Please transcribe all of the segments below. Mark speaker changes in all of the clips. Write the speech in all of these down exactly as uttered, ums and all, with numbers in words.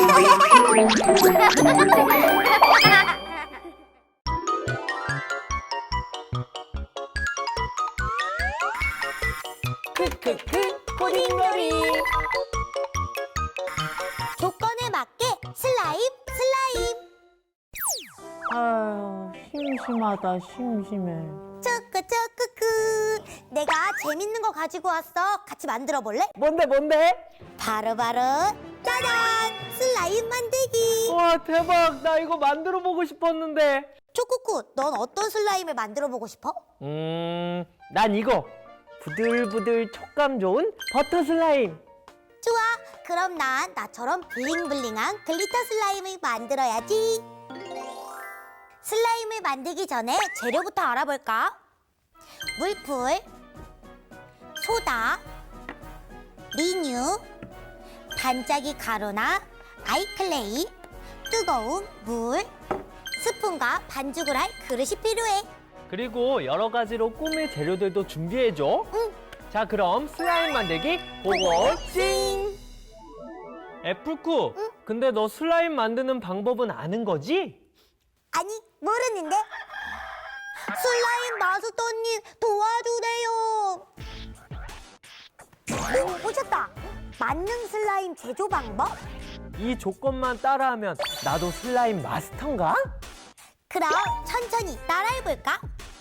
Speaker 1: 크크크 코딩놀이.
Speaker 2: 조건에 맞게 슬라임 슬라임.
Speaker 1: 아유, 심심하다, 심심해.
Speaker 2: 쭈꾸쭈꾸꾸. 내가 재밌는 거 가지고 왔어. 같이 만들어 볼래?
Speaker 1: 뭔데, 뭔데?
Speaker 2: 바로바로 짜잔! 슬라임 만들기.
Speaker 1: 와, 대박. 나 이거 만들어 보고 싶었는데.
Speaker 2: 초꾸꾸, 넌 어떤 슬라임을 만들어 보고 싶어?
Speaker 1: 음, 난 이거. 부들부들 촉감 좋은 버터 슬라임.
Speaker 2: 좋아. 그럼 난 나처럼 블링블링한 글리터 슬라임을 만들어야지. 슬라임을 만들기 전에 재료부터 알아볼까? 물풀, 소다, 리뉴, 반짝이 가루나 아이클레이, 뜨거운 물, 스푼과 반죽을 할 그릇이 필요해.
Speaker 1: 그리고 여러 가지로 꾸밀 재료들도 준비해줘.
Speaker 2: 응.
Speaker 1: 자, 그럼 슬라임 만들기 고고찡! 애플쿠,
Speaker 2: 응?
Speaker 1: 근데 너 슬라임 만드는 방법은 아는 거지?
Speaker 2: 아니, 모르는데? 슬라임 마스터님 도와주세요. 오, 오셨다. 만능 슬라임 제조 방법?
Speaker 1: 이 조건만 따라하면 나도 슬라임 마스터인가?
Speaker 2: 그럼 천천히 따라해볼까?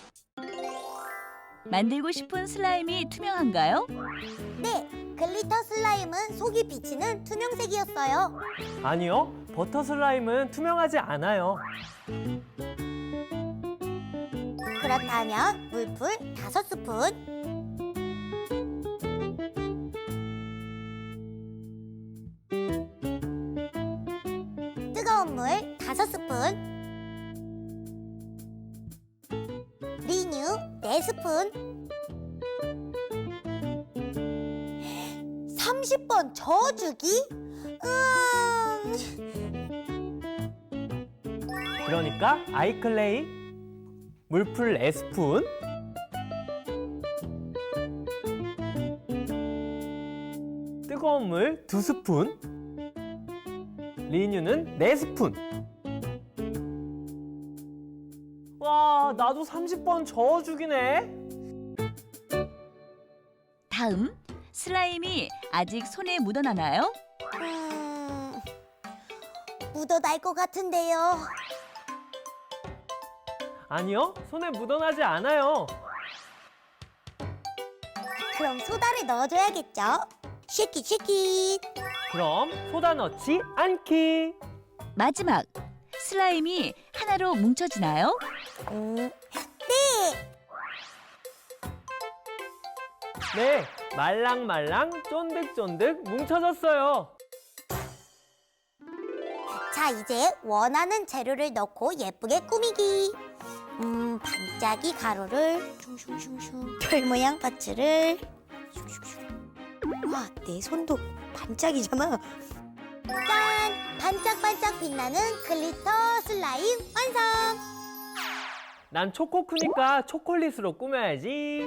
Speaker 3: 만들고 싶은 슬라임이 투명한가요?
Speaker 2: 네, 글리터 슬라임은 속이 비치는 투명색이었어요.
Speaker 1: 아니요, 버터 슬라임은 투명하지 않아요.
Speaker 2: 그렇다면 물풀 다섯 스푼, 뜨거운 물 다섯 스푼, 리뉴 네 스푼, 삼십 번 저어주기? 음...
Speaker 1: 그러니까 아이클레이, 물풀 네 스푼, 뜨거운 물 두 스푼, 리뉴는 네 스푼. 와, 나도 삼십 번 저어주기네.
Speaker 3: 다음, 슬라임이 아직 손에 묻어나나요?
Speaker 2: 음... 묻어날 것 같은데요.
Speaker 1: 아니요, 손에 묻어나지 않아요.
Speaker 2: 그럼 소다를 넣어줘야겠죠? 쉐키 쉐키.
Speaker 1: 그럼 소다 넣지 않기.
Speaker 3: 마지막, 슬라임이 하나로 뭉쳐지나요?
Speaker 2: 음, 네.
Speaker 1: 네, 말랑말랑 쫀득쫀득 뭉쳐졌어요.
Speaker 2: 자, 이제 원하는 재료를 넣고 예쁘게 꾸미기. 음, 반짝이 가루를 슝슝슝슝. 별 모양 파츠를 슝슝슝. 와, 내 손도 반짝이잖아. 짠! 반짝반짝 빛나는 글리터 슬라임 완성!
Speaker 1: 난 초코크니까 초콜릿으로 꾸며야지.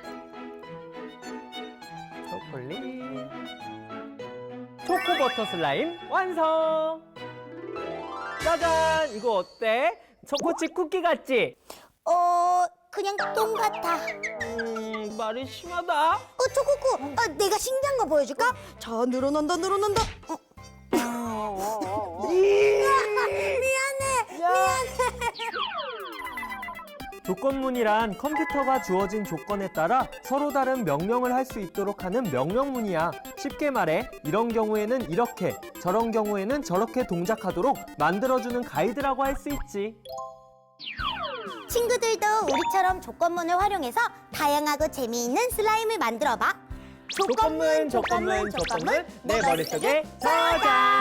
Speaker 1: 초콜릿. 초코버터 슬라임 완성! 짜잔! 이거 어때? 초코칩 쿠키 같지?
Speaker 2: 어, 그냥 똥 같아.
Speaker 1: 음, 말이 심하다.
Speaker 2: 어, 초코쿠, 어, 내가 신기한 거 보여줄까? 자, 늘어난다, 늘어난다. 어. 미안해, 미안해.
Speaker 1: 조건문이란 컴퓨터가 주어진 조건에 따라 서로 다른 명령을 할 수 있도록 하는 명령문이야. 쉽게 말해, 이런 경우에는 이렇게, 저런 경우에는 저렇게 동작하도록 만들어주는 가이드라고 할 수 있지.
Speaker 2: 친구들도 우리처럼 조건문을 활용해서 다양하고 재미있는 슬라임을 만들어봐.
Speaker 1: 조건문, 조건문, 조건문, 내 머릿속에 저장!